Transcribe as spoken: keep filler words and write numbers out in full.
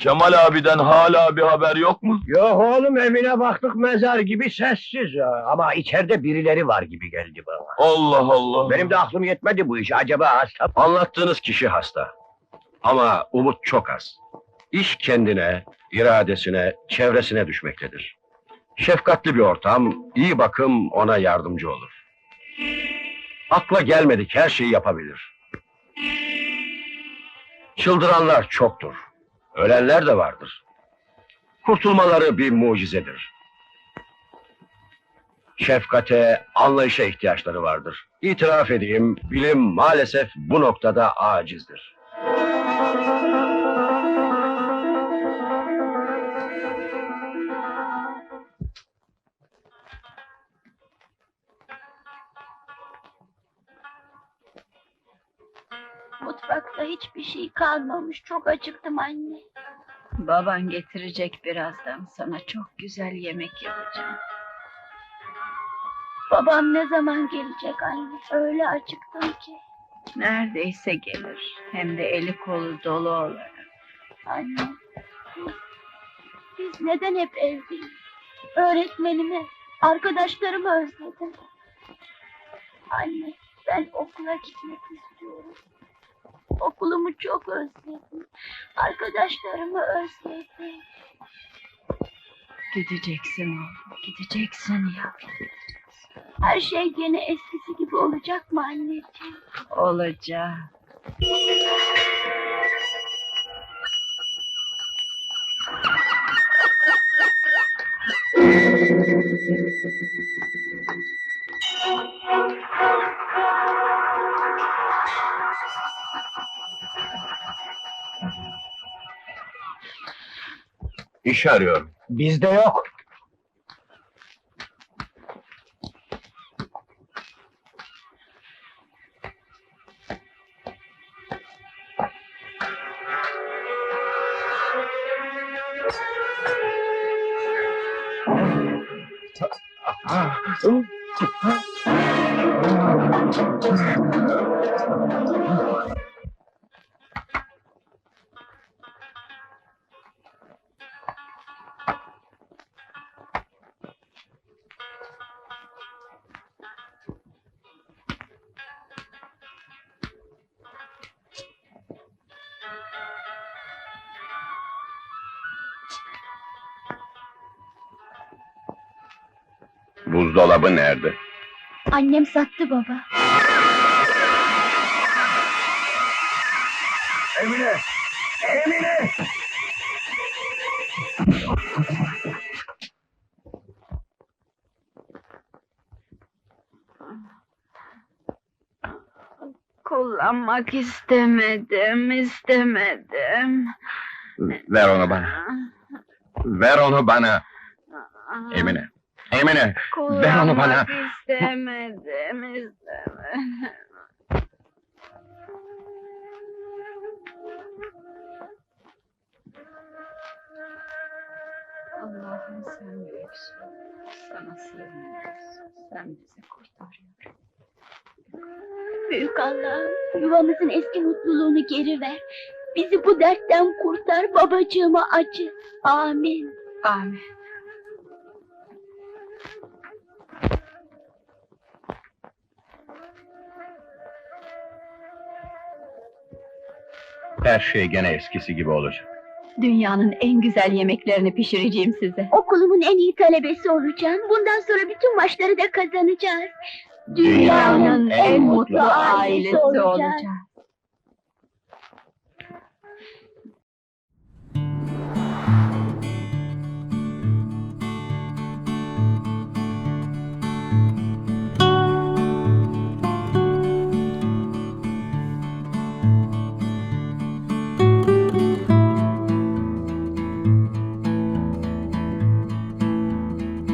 Kemal abiden hala bir haber yok mu? Yok oğlum, evine baktık, mezar gibi sessiz ya. Ama içeride birileri var gibi geldi bana. Allah Allah! Benim de aklım yetmedi bu işe, acaba hasta... Anlattığınız kişi hasta. Ama umut çok az. İş kendine, iradesine, çevresine düşmektedir. Şefkatli bir ortam, iyi bakım ona yardımcı olur. Akla gelmedik her şeyi yapabilir. Çıldıranlar çoktur. Ölenler de vardır. Kurtulmaları bir mucizedir. Şefkate, anlayışa ihtiyaçları vardır. İtiraf edeyim, bilim maalesef bu noktada acizdir. Mutfakta hiçbir şey kalmamış. Çok acıktım anne. Baban getirecek birazdan, sana çok güzel yemek yapacağım. Babam ne zaman gelecek anne? Öyle acıktım ki. Neredeyse gelir, hem de eli kolu dolu olarak. Anne, biz, biz neden hep evdeyiz? Öğretmenimi, arkadaşlarımı özledim. Anne, ben okula gitmek istiyorum. Okulumu çok özledim. Arkadaşlarımı özledim. Gideceksin oğlum, gideceksin yavrum. Her şey gene eskisi gibi olacak mı anneciğim? Olacak. İş arıyorum. Bizde yok. Buzdolabı nerede? Annem sattı baba. Emine! Emine! Kullanmak istemedim, istemedim. Ver onu bana. Ver onu bana. Emine. Emine. Ver onu bana. Kullanmak istemedim, istemedim. Allah'ım sen büyüksün. Sana sığınıyoruz. Sen bizi kurtarıyorsun. Büyük Allah'ım, yuvamızın eski mutluluğunu geri ver. Bizi bu dertten kurtar, babacığıma acı. Amin. Amin. Her şey gene eskisi gibi olacak. Dünyanın en güzel yemeklerini pişireceğim size. Okulumun en iyi talebesi olacağım. Bundan sonra bütün maçları da kazanacağız. Dünyanın en mutlu ailesi olacağız.